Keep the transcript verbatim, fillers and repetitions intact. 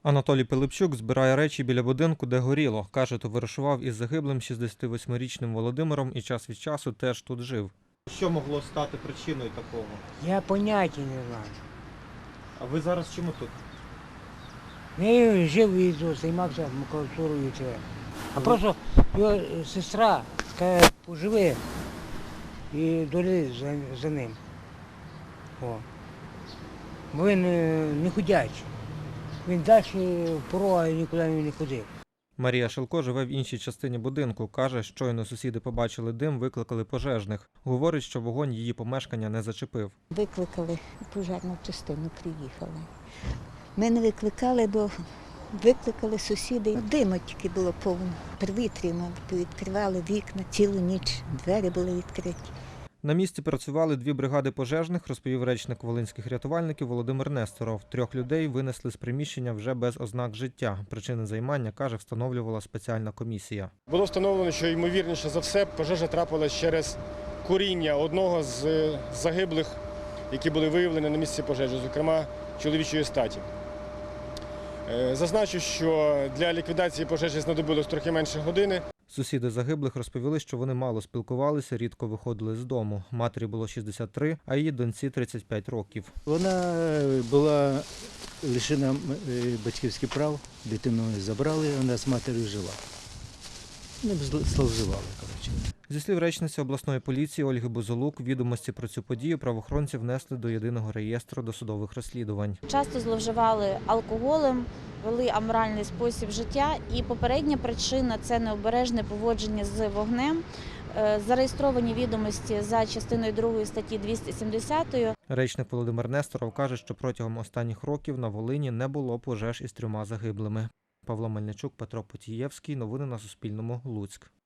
Анатолій Пилипчук збирає речі біля будинку, де горіло. Каже, товаришував із загиблим шістдесятивосьмирічним Володимиром і час від часу теж тут жив. Що могло стати причиною такого? Я поняття не знаю. А ви зараз чому тут? Я жив і займався макулатурою. А просто його сестра каже, поживи і доли за, за ним. О. Бо він не ходячий. Він далі в порога нікуди не ходив. Марія Шилко живе в іншій частині будинку. Каже, щойно сусіди побачили дим, викликали пожежних. Говорить, що вогонь її помешкання не зачепив. Викликали пожежну частину, приїхали. Ми не викликали, бо викликали сусіди. Диму тільки було повно. Привітряно, відкривали вікна, цілу ніч двері були відкриті. На місці працювали дві бригади пожежних, розповів речник волинських рятувальників Володимир Несторов. Трьох людей винесли з приміщення вже без ознак життя. Причини займання, каже, встановлювала спеціальна комісія. Було встановлено, що ймовірніше за все пожежа трапилась через куріння одного з загиблих, які були виявлені на місці пожежі, зокрема чоловічої статі. Зазначу, що для ліквідації пожежі знадобилось трохи менше години. Сусіди загиблих розповіли, що вони мало спілкувалися, рідко виходили з дому. Матері було шістдесят три, а її доньці тридцять п'ять років. Вона була лишена батьківських прав, дитину забрали, вона з матір'ю жила. Не зловживали, коротше. Зі слів речниці обласної поліції Ольги Бузолук, відомості про цю подію правоохоронці внесли до єдиного реєстру досудових розслідувань. Часто зловживали алкоголем, вели аморальний спосіб життя, і попередня причина – це необережне поводження з вогнем. Зареєстровані відомості за частиною другої статті двісті сімдесят. Речник Володимир Несторов каже, що протягом останніх років на Волині не було пожеж із трьома загиблими. Павло Мельничук, Петро Потієвський. Новини на Суспільному. Луцьк.